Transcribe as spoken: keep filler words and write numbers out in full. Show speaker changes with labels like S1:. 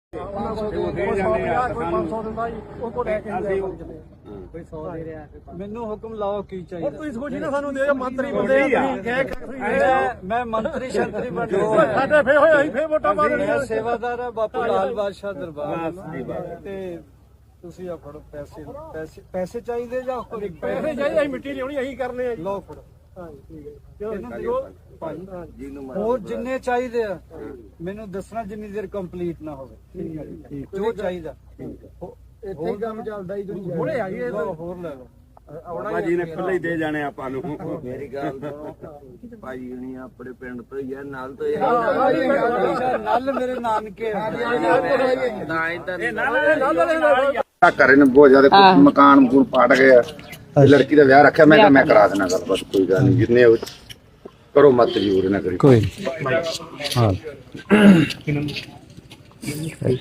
S1: ਮੈਨੂੰ ਹੁਕਮ ਲਾਓ ਕੀ ਚਾਹੀਦਾ।
S2: ਤੁਸੀਂ ਸੋਚੀ ਨਾ ਸਾਨੂੰ ਦੇ ਮੰਤਰੀ ਬੰਦੇ
S1: ਮੈਂ ਮੰਤਰੀ ਸ਼ੰਤਰੀ ਬਣ
S2: ਸਾਡੇ ਫੇ ਹੋਏ ਅਸੀਂ ਫੇ ਵੋਟਾਂ ਪਾ ਦੇਣੀਆਂ।
S1: ਸੇਵਾਦਾਰ ਹੈ ਬਾਪੂ ਲਾਲ ਬਾਦਸ਼ਾਹ ਦਰਬਾਰ ਤੇ ਤੁਸੀਂ ਆ ਫੜੋ ਪੈਸੇ ਪੈਸੇ ਪੈਸੇ ਚਾਹੀਦੇ ਜਾਂ
S2: ਪੈਸੇ ਚਾਹੀਦੇ ਅਸੀਂ ਮਿੱਟੀ ਲਿਆਉਣੀ ਅਸੀਂ ਕਰਨੇ ਆ।
S1: ਲਓ ਫੜੋ।
S2: ਇਹਨਾਂ ਦਿਓ
S1: ਭਾਈ ਹੋਰ ਜਿੰਨੇ ਚਾਹੀਦੇ ਆ ਮੈਨੂੰ ਦੱਸਣਾ ਜਿੰਨੀ ਦੇਰ ਕੰਪਲੀਟ ਨਾ ਹੋਵੇ। ਜੋ ਚਾਹੀਦਾ
S2: ਇੱਥੇ ਕੰਮ ਚੱਲਦਾ ਹੀ ਦੁਨੀਆ ਹੁਣੇ ਆ ਗਏ
S1: ਹੋਰ ਲੈ ਲਓ।
S3: ਬਾਬਾ ਜੀ ਨੇ ਖੁੱਲੇ ਹੀ ਦੇ ਜਾਣੇ ਆਪਾਂ ਨੂੰ।
S4: ਮੇਰੀ ਗੱਲ ਸੁਣੋ ਭਾਈ ਨਹੀਂ ਆਪਣੇ ਪਿੰਡ ਤੋਂ ਹੀ ਆ ਨਾਲ ਤੋਂ ਹੀ
S1: ਨਲ ਮੇਰੇ ਨਾਨਕੇ
S3: ਘਰੇ ਨੇ ਬਹੁਤ ਜ਼ਿਆਦਾ ਕੁਛ ਮਕਾਨ ਮਕੂਨ ਪਾਟ ਗਿਆ। ਲੜਕੀ ਦਾ ਵਿਆਹ ਰੱਖਿਆ, ਮੈਂ ਕਿਹਾ ਮੈਂ ਕਰਾ ਦੇਣਾ ਗੱਲ, ਬਸ ਕੋਈ ਗੱਲ ਨਹੀਂ। ਜਿੰਨੇ ਕਰੋ ਮਤ ਜ਼ਰੂਰ ਨਾ ਕਰੀ ਕੋਈ ਹਾਂ।